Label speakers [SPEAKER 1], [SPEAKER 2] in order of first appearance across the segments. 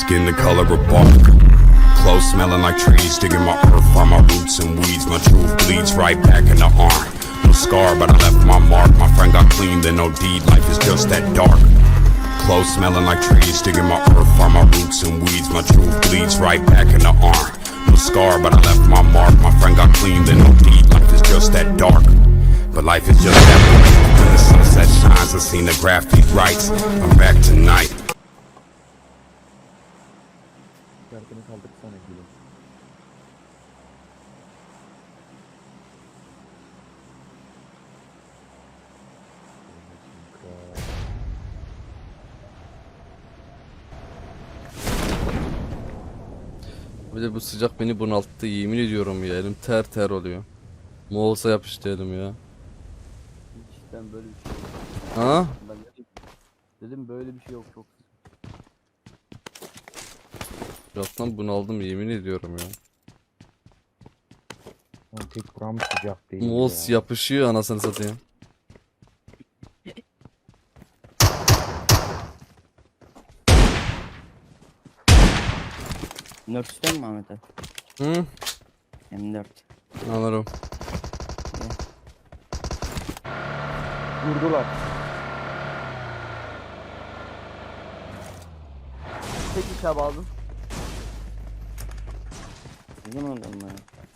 [SPEAKER 1] Skin the color of bark. Clothes smelling like trees. Digging my earth from my roots and weeds. My truth bleeds right back in the arm. No scar, but I left my mark. My friend got clean, then no deed. Life is just that dark. Clothes smelling like trees. Digging my earth from my roots and weeds. My truth bleeds right back in the arm. No scar, but I left my mark. My friend got clean, then no deed. Life is just that dark. But life is just that way. When the sunset shines, I seen the graffiti writes. I'm back tonight.
[SPEAKER 2] Şarkını kaldırsana gülüm.
[SPEAKER 3] Bir de bu sıcak beni bunalttı, yemin ediyorum ya, elim ter ter oluyor. Moğolsa yapıştı elim ya.
[SPEAKER 2] Cidden böyle bir şey yok.
[SPEAKER 3] Ha?
[SPEAKER 2] Ben dedim böyle bir şey yok çok.
[SPEAKER 3] Sıcaktan bunaldım, yemin ediyorum ya.
[SPEAKER 4] Tek buram sıcak değil
[SPEAKER 3] Moğols
[SPEAKER 4] ya.
[SPEAKER 3] yapışıyor anasını satayım.
[SPEAKER 5] Nörtüsten mi Ahmet abi?
[SPEAKER 3] Hı?
[SPEAKER 5] M4.
[SPEAKER 3] Anlarım.
[SPEAKER 4] Vurdular.
[SPEAKER 2] Tek iş abi aldım.
[SPEAKER 5] Sizin oradan mı?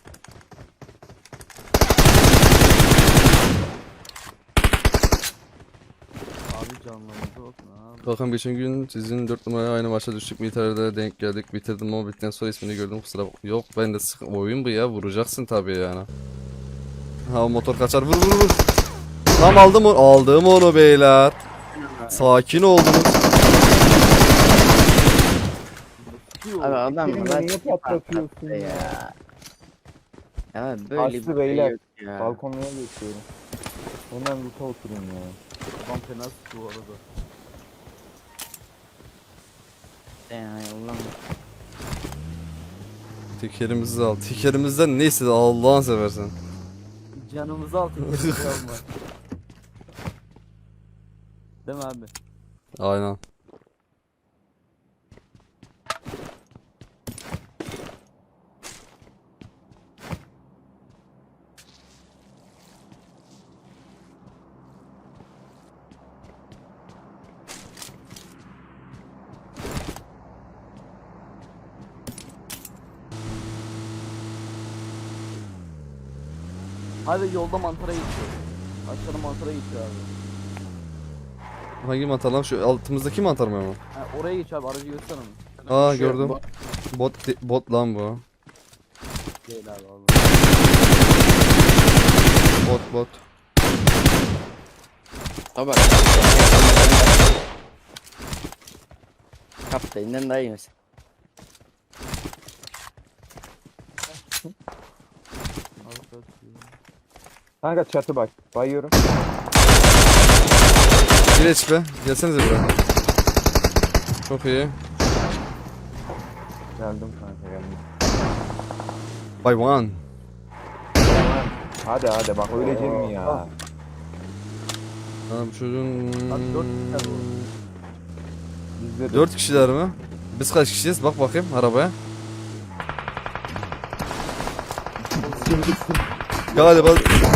[SPEAKER 2] Abi canlarınızı olsun abi.
[SPEAKER 3] Bakın geçen gün sizin 4 numaraya aynı maça düştük. Militer'de denk geldik. Bitirdim ama bittikten sonra ismini gördüm, kusura bakma. Yok ben de oyun bu ya, vuracaksın tabii yani. Ha motor kaçar, vur vur vur. Tam aldım onu beyler. Sakin oldunuz.
[SPEAKER 5] Abi adam
[SPEAKER 4] Senin
[SPEAKER 5] var.
[SPEAKER 4] niye patlatıyorsun ya?
[SPEAKER 5] Ya böyle
[SPEAKER 4] Aslı
[SPEAKER 5] bir şey
[SPEAKER 4] beyler.
[SPEAKER 5] yok ya.
[SPEAKER 4] Balkonluğa geçiyorum. Hemen loot'a oturayım ya.
[SPEAKER 2] Adam fena sıktı bu arada.
[SPEAKER 5] Ya Allah'ım.
[SPEAKER 3] Tekerimizi al. Tekerimizden ne istedi Allah'ını seversen.
[SPEAKER 2] Canımızı al tek iş alma. Değil mi abi?
[SPEAKER 3] Aynen.
[SPEAKER 2] Hadi yolda mantara geçiyor. Aşağıda mantara geçiyor abi.
[SPEAKER 3] Hangi mantar lan? Şu altımızdaki mantar mı ama?
[SPEAKER 2] Ha, oraya geç abi, aracı göster onu.
[SPEAKER 3] Aa
[SPEAKER 5] Şu
[SPEAKER 3] gördüm.
[SPEAKER 5] bu-
[SPEAKER 3] Bot lan bu.
[SPEAKER 2] Değil abi vallahi.
[SPEAKER 3] Bot.
[SPEAKER 5] Tabii. Kaptayından daha iyi mesela.
[SPEAKER 2] Abi kaçıyor.
[SPEAKER 4] Kanka çatı bak. Bayıyorum.
[SPEAKER 3] Bir HP. Gelsenize buraya. Çok iyi.
[SPEAKER 4] Geldim kanka geldim.
[SPEAKER 3] By one.
[SPEAKER 4] Hadi bak ölecek mi ya?
[SPEAKER 3] Ha, bu çocuğun...
[SPEAKER 2] Abi 4 kişi bu.
[SPEAKER 4] Bizde
[SPEAKER 3] 4 kişiler mi? Biz kaç kişiyiz? Bak bakayım arabaya. Galiba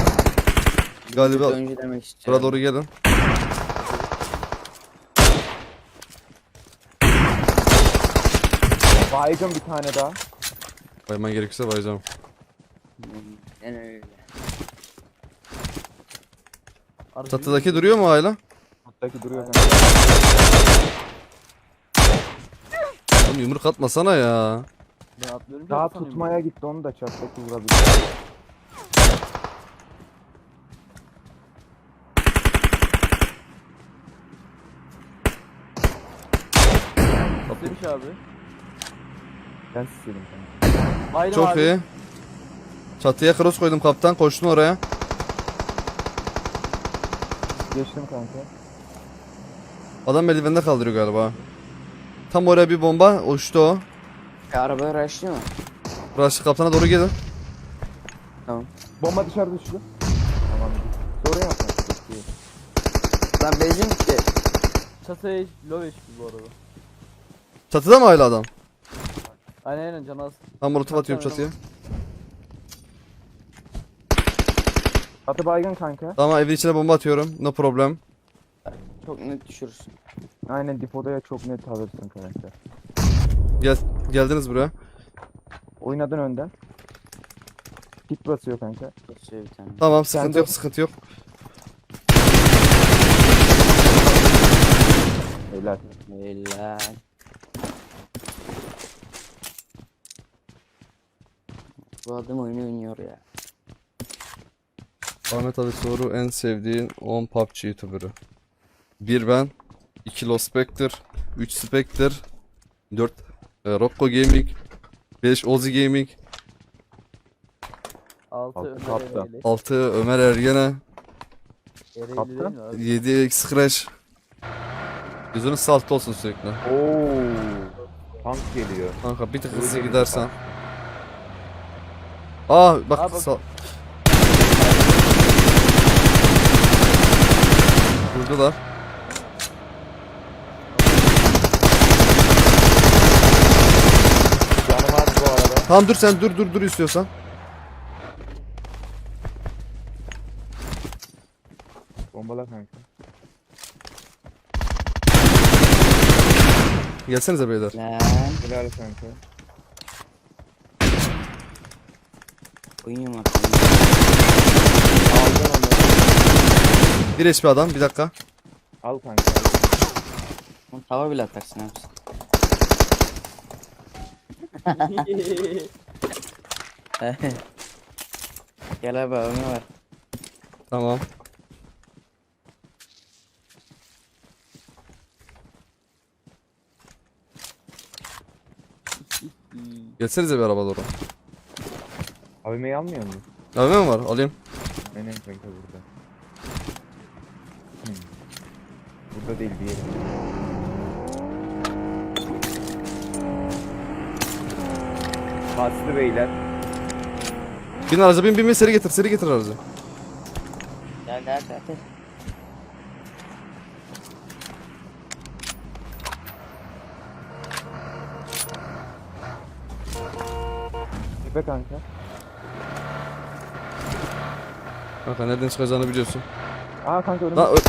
[SPEAKER 5] Önce demek
[SPEAKER 3] buraya
[SPEAKER 5] istiyorum.
[SPEAKER 3] doğru gelin.
[SPEAKER 4] baygın bir tane daha.
[SPEAKER 3] Bayman gerekirse bayacağım.
[SPEAKER 5] Yani öyle.
[SPEAKER 2] Aracı
[SPEAKER 3] Çatıdaki duruyor mu hala?
[SPEAKER 4] Alttaki duruyor kanka.
[SPEAKER 3] Oğlum yumruk atmasana ya.
[SPEAKER 2] Ben atlıyorum.
[SPEAKER 4] Daha
[SPEAKER 2] sanıyorum.
[SPEAKER 4] tutmaya gitti onu da çattaki vurabilir.
[SPEAKER 2] Demiş abi.
[SPEAKER 4] Ben istedim kanka.
[SPEAKER 2] Bayram
[SPEAKER 3] Çok
[SPEAKER 2] abi.
[SPEAKER 3] iyi. Çatıya cross koydum kaptan, koştun oraya.
[SPEAKER 4] Geçtim kanka.
[SPEAKER 3] Adam eldivende kaldırıyor galiba. Tam oraya bir bomba uçtu o.
[SPEAKER 5] Arabaya raşlıyor mu?
[SPEAKER 3] Burası kaptana doğru gelin.
[SPEAKER 5] Tamam.
[SPEAKER 4] Bomba dışarı düştü. Tamam. Doğru yapma.
[SPEAKER 5] Lan benzin bitti.
[SPEAKER 2] Çatıya low HP bu arada.
[SPEAKER 3] Çatıda mı hala adam?
[SPEAKER 2] Aynen canı az.
[SPEAKER 3] Ben molotof atıyorum çatıya.
[SPEAKER 4] Atı baygın kanka.
[SPEAKER 3] Tamam evin içine bomba atıyorum. No problem.
[SPEAKER 5] Çok net düşürürsün.
[SPEAKER 4] Aynen dipodaya çok net alırsın kanka.
[SPEAKER 3] Geldiniz buraya.
[SPEAKER 4] Oynadın önden. Kit basıyor kanka.
[SPEAKER 5] Geçiyor bir tane.
[SPEAKER 3] Tamam
[SPEAKER 4] Sen
[SPEAKER 3] sıkıntı
[SPEAKER 4] de-
[SPEAKER 3] yok sıkıntı yok.
[SPEAKER 4] Helal.
[SPEAKER 5] Helal. Bu adam oyunu oynuyor ya.
[SPEAKER 3] Ahmet abi soru en sevdiğin 10 PUBG YouTuber'ı. 1 ben, 2 Lost Spectre, 3 Spectre, 4 Rocco Gaming, 5 Ozi Gaming,
[SPEAKER 2] 6
[SPEAKER 4] Altı
[SPEAKER 2] Ömer
[SPEAKER 4] kaptan.
[SPEAKER 2] Ereğli.
[SPEAKER 3] 6 Ömer Ergene,
[SPEAKER 2] Ereğli
[SPEAKER 4] Kaptan.
[SPEAKER 2] değil mi abi?
[SPEAKER 3] 7 X-Crash. Yüzünüz saltta olsun sürekli.
[SPEAKER 4] Oo. Tank geliyor.
[SPEAKER 3] Kanka bir tık hızlı
[SPEAKER 4] Öyle bir
[SPEAKER 3] gidersen. Aa bak,
[SPEAKER 2] Aa, bak.
[SPEAKER 3] vurdular.
[SPEAKER 4] Canım var bu arada.
[SPEAKER 3] Tamam dur sen dur istiyorsan.
[SPEAKER 4] Bombala kanka.
[SPEAKER 3] Gelsenize beyler.
[SPEAKER 5] Lan.
[SPEAKER 4] Helal kanka.
[SPEAKER 5] Oyun var.
[SPEAKER 4] Aldın onu.
[SPEAKER 3] Bir HP adam bir dakika.
[SPEAKER 4] Al kanka.
[SPEAKER 5] Onu tava bile atarsın abi. Gel abi oyunu var.
[SPEAKER 3] Tamam. Gelsenize bir araba doğru.
[SPEAKER 4] AVM'yi almıyor musun?
[SPEAKER 3] Abi mi var? Alayım.
[SPEAKER 4] Aynen kanka burada. Burada değil bir yere. Bastı beyler.
[SPEAKER 3] Bin araca bin seri getir aracı.
[SPEAKER 5] Gel.
[SPEAKER 4] Tepe kanka.
[SPEAKER 3] Kanka nereden çıkacağını biliyorsun.
[SPEAKER 4] Aa kanka önümde.
[SPEAKER 3] Lan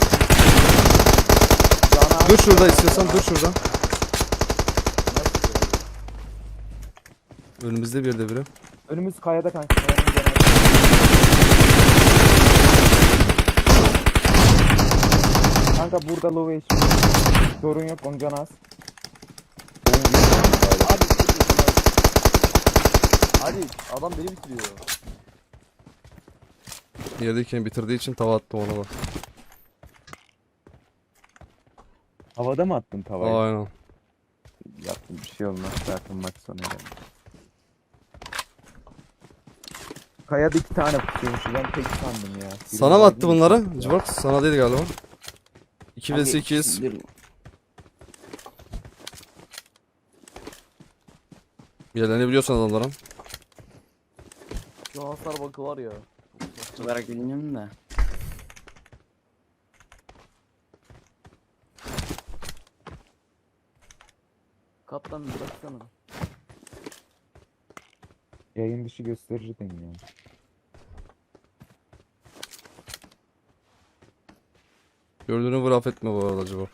[SPEAKER 3] dur şurada istiyorsan dur şurada. Önümüzde bir yerde biri.
[SPEAKER 4] Önümüz kayada kanka. Kayanın yanında. Kanka burada low HP. Sorun yok onun canı az.
[SPEAKER 2] Abi hadi adam beni bitiriyor.
[SPEAKER 3] Yerdeyken bitirdiği için tava attım ona bak.
[SPEAKER 4] Havada mı attın tavayı?
[SPEAKER 3] Aynen.
[SPEAKER 4] Yaptım bir şey olmaz zaten maç sonu geldi. Kayada 2 tane tutuyormuş ben tek sandım ya. Biri
[SPEAKER 3] Sana mı
[SPEAKER 4] baygın,
[SPEAKER 3] attı bunları?
[SPEAKER 4] biri
[SPEAKER 3] Cıvak sana değil galiba. 2
[SPEAKER 5] Abi,
[SPEAKER 3] vs 8.
[SPEAKER 5] dur.
[SPEAKER 3] Yerlerini biliyorsun adamların.
[SPEAKER 2] Şu hasar bakı var ya.
[SPEAKER 5] Olarak bilmiyorum da.
[SPEAKER 2] Kaptan bir baksana.
[SPEAKER 4] Yayın dışı gösterirdin ya.
[SPEAKER 3] Gördüğünü vur affetme bu arada Cıvak.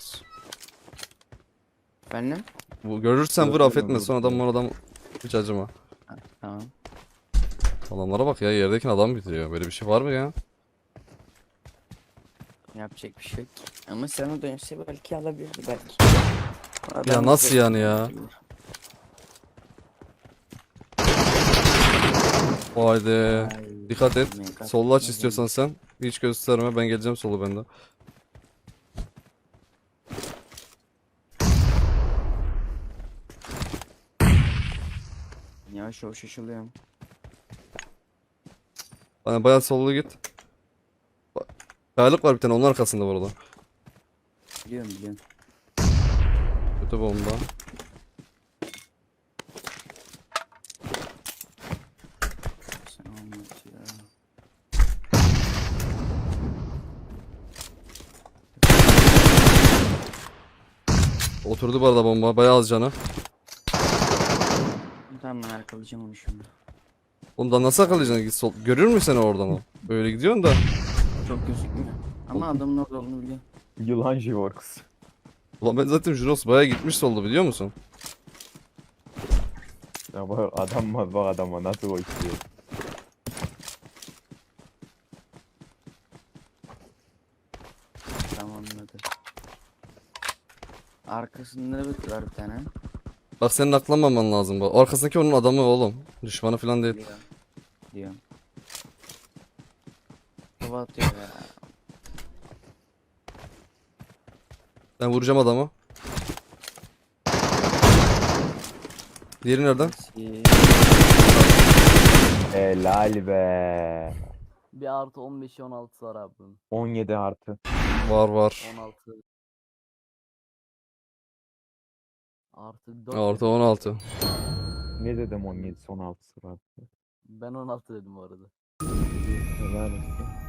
[SPEAKER 5] Efendim?
[SPEAKER 3] Bu görürsen vur
[SPEAKER 4] Gördüğünü
[SPEAKER 3] affetme
[SPEAKER 4] vur.
[SPEAKER 3] sonradan adam hiç acıma.
[SPEAKER 5] Ha, tamam.
[SPEAKER 3] Adamlara bak ya yerdeki adam bitiriyor. Böyle bir şey var mı ya?
[SPEAKER 5] Yapacak bir şey yok. Ama sana dönse belki alabilirdi belki.
[SPEAKER 3] Ya
[SPEAKER 5] Adam
[SPEAKER 3] nasıl
[SPEAKER 5] bize-
[SPEAKER 3] yani ya? O halde
[SPEAKER 5] Ay,
[SPEAKER 3] dikkat et.
[SPEAKER 5] mega-
[SPEAKER 3] Sollu aç
[SPEAKER 5] mega-
[SPEAKER 3] istiyorsan sen. Hiç gösterme ben geleceğim solu bende.
[SPEAKER 5] Yavaş yavaş şaşılıyorum.
[SPEAKER 3] Hani bayağı sollu git. Kayalık var bir tane onun arkasında bu arada.
[SPEAKER 5] Biliyorum.
[SPEAKER 3] Kötü bomba.
[SPEAKER 5] Sen anlat ya.
[SPEAKER 3] Oturdu bu arada bomba. Bayağı az canı.
[SPEAKER 5] Tamam ben arkalayacağım onu şimdi.
[SPEAKER 3] Oğlum da nasıl akıllayacaksın? Git sol. Görür mü seni oradan o? Böyle gidiyorsun da.
[SPEAKER 5] Çok gözükmüyor. Ama adamın orada olduğunu biliyorum.
[SPEAKER 4] Yılan Jivorks.
[SPEAKER 3] Ulan ben zaten Juros bayağı gitmiş soldu biliyor musun?
[SPEAKER 4] Ya bak adam var bak adama nasıl koşuyor.
[SPEAKER 5] Tamam anladım. Arkasında bir var bir tane.
[SPEAKER 3] Bak senin aklanmaman lazım bu. Arkasındaki onun adamı oğlum. Düşmanı falan değil.
[SPEAKER 5] Diyor. Diyorum. Hava atıyor ya.
[SPEAKER 3] Ben vuracağım adamı. Diğeri nereden?
[SPEAKER 5] Neyse.
[SPEAKER 4] Helal be.
[SPEAKER 2] Bir artı 15'i 16 var abi bunun.
[SPEAKER 4] 17 artı.
[SPEAKER 3] Var var.
[SPEAKER 2] 16. Artı 4.
[SPEAKER 3] Orta 16.
[SPEAKER 4] Ne dedim 17 son 6'sı var.
[SPEAKER 2] Ben 16 dedim bu arada.
[SPEAKER 4] Helal olsun.